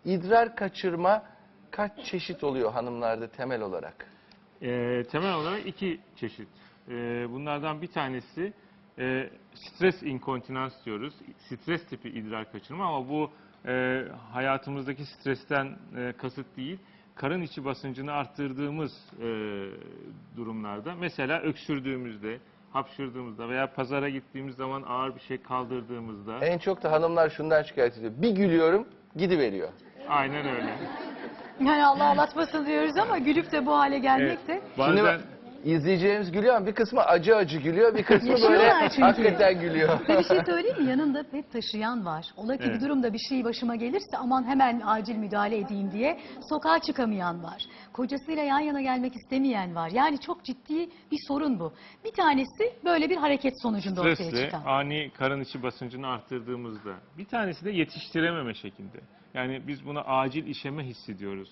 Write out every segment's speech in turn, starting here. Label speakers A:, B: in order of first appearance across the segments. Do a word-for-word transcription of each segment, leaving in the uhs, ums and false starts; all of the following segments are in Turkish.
A: İdrar kaçırma kaç çeşit oluyor hanımlarda temel olarak?
B: E, temel olarak iki çeşit. E, bunlardan bir tanesi e, stres inkontinans diyoruz. Stres tipi idrar kaçırma ama bu e, hayatımızdaki stresten e, kasıt değil. Karın içi basıncını arttırdığımız e, durumlarda, mesela öksürdüğümüzde, hapşırdığımızda veya pazara gittiğimiz zaman ağır bir şey kaldırdığımızda.
A: En çok da hanımlar şundan şikayet ediyor. Bir gülüyorum, gidiveriyor.
B: Aynen öyle.
C: Yani Allah ağlatmasın diyoruz ama gülüp de bu hale gelmek de.
B: Evet, bazen...
A: Şimdi bak, izleyicilerimiz gülüyor ama bir kısmı acı acı gülüyor, bir kısmı böyle
C: Yaşıyorlar çünkü.
A: hakikaten gülüyor.
C: Ve bir şey söyleyeyim mi? Yanında pet taşıyan var. Ola ki
B: Evet.
C: bir durumda bir şey başıma gelirse aman hemen acil müdahale edeyim diye sokağa çıkamayan var. Kocasıyla yan yana gelmek istemeyen var. Yani çok ciddi bir sorun bu. Bir tanesi böyle bir hareket sonucunda ortaya
B: Stresle
C: çıkan.
B: ani karın içi basıncını arttırdığımızda. Bir tanesi de yetiştirememe şeklinde. Yani biz buna acil işeme hissediyoruz.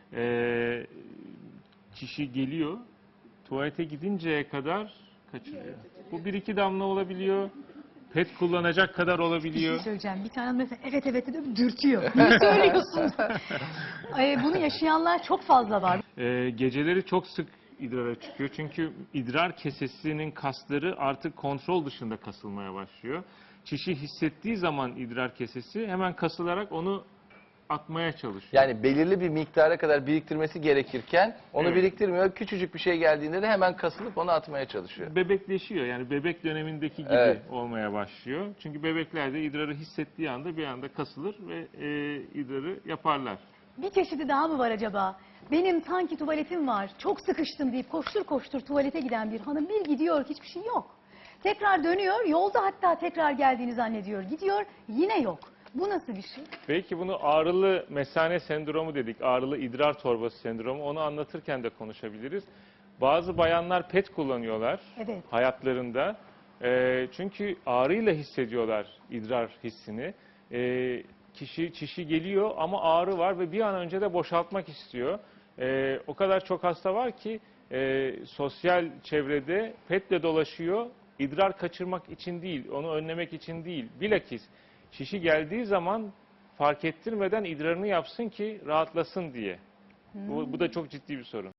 B: Ee, kişi geliyor, tuvalete gidinceye kadar kaçırıyor. Bu bir iki damla olabiliyor. Pet kullanacak kadar
C: Bir şey
B: olabiliyor.
C: söyleyeceğim. Bir tane mesela evet evet dedim dürtüyor. Ne söylüyorsun? Ee, bunu yaşayanlar çok fazla var.
B: Ee, geceleri çok sık idrara çıkıyor. Çünkü idrar kesesinin kasları artık kontrol dışında kasılmaya başlıyor. Kişi hissettiği zaman idrar kesesi hemen kasılarak onu atmaya çalışıyor.
A: Yani belirli bir miktara kadar biriktirmesi gerekirken onu
B: Evet.
A: biriktirmiyor. Küçücük bir şey geldiğinde de hemen kasılıp onu atmaya çalışıyor.
B: Bebekleşiyor, yani bebek dönemindeki gibi
A: Evet.
B: olmaya başlıyor. Çünkü bebekler de idrarı hissettiği anda bir anda kasılır ve e, idrarı yaparlar.
C: Bir çeşidi daha mı var acaba? Benim sanki tuvaletim var, çok sıkıştım deyip koştur koştur tuvalete giden bir hanım bir gidiyor, hiçbir şey yok. Tekrar dönüyor, yolda hatta tekrar geldiğini zannediyor. Gidiyor, yine yok. Bu nasıl bir şey?
B: Belki bunu ağrılı mesane sendromu dedik, ağrılı idrar torbası sendromu. Onu anlatırken de konuşabiliriz. Bazı bayanlar pet kullanıyorlar
C: Evet.
B: hayatlarında. E, çünkü ağrıyla hissediyorlar idrar hissini. E, kişi çişi geliyor ama ağrı var ve bir an önce de boşaltmak istiyor. E, o kadar çok hasta var ki e, sosyal çevrede petle dolaşıyor. İdrar kaçırmak için değil, onu önlemek için değil. Bilakis şişi geldiği zaman fark ettirmeden idrarını yapsın ki rahatlasın diye. Bu, bu da çok ciddi bir sorun.